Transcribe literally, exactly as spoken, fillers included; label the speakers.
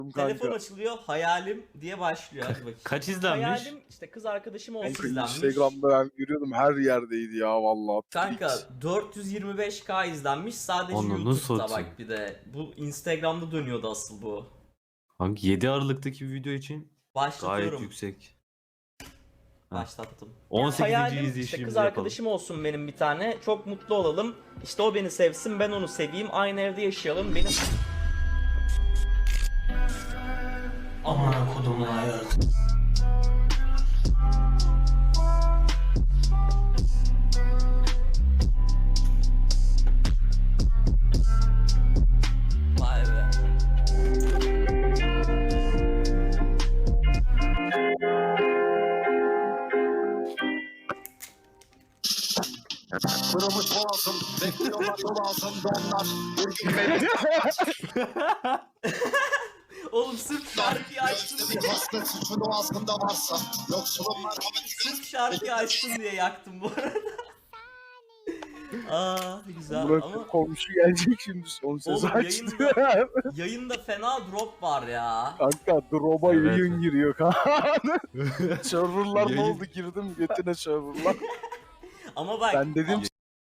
Speaker 1: Telefon açılıyor, hayalim diye başlıyor. Hadi bakayım.
Speaker 2: Kaç izlenmiş?
Speaker 1: Hayalim işte kız arkadaşım olsun
Speaker 3: Kanka
Speaker 1: izlenmiş.
Speaker 3: Instagram'da ben görüyordum her yerdeydi ya vallahi.
Speaker 1: Kanka dört yüz yirmi beş K izlenmiş sadece
Speaker 2: Onu
Speaker 1: YouTube'da
Speaker 2: nasıl
Speaker 1: bak
Speaker 2: atayım?
Speaker 1: bir de. Bu Instagram'da dönüyordu asıl bu.
Speaker 2: Hangi yedi Aralık'taki bir video için gayet
Speaker 1: Başlatıyorum.
Speaker 2: yüksek.
Speaker 1: Başlattım.
Speaker 2: on sekizinci
Speaker 1: Hayalim işte
Speaker 2: izleyişimizi
Speaker 1: kız
Speaker 2: yapalım.
Speaker 1: arkadaşım olsun benim bir tane. Çok mutlu olalım. İşte o beni sevsin, ben onu seveyim. Aynı evde yaşayalım. Benim... Aman kodumun ayağı. Vay be.
Speaker 4: Kırılmış boğazım, bekliyorlar yol altında onlar. Bir gün beni
Speaker 1: Oğlum sırf şarkıyı açtın diye,
Speaker 4: bir hasta suçunu aslında varsa. Yoksulun
Speaker 1: sırf şarkıyı açtın diye yaktım bu arada. Aa güzel
Speaker 3: Burak
Speaker 1: ama
Speaker 3: komşu gelecek şimdi son sözü
Speaker 1: Oğlum,
Speaker 3: açtı.
Speaker 1: yayında fena drop var ya.
Speaker 3: Kanka drop'a
Speaker 2: Evet.
Speaker 3: yayın giriyor kanka. Serverlar ne
Speaker 2: Yayın-
Speaker 3: oldu girdim götüne serverlar.
Speaker 1: Ama bak
Speaker 3: Ben dedim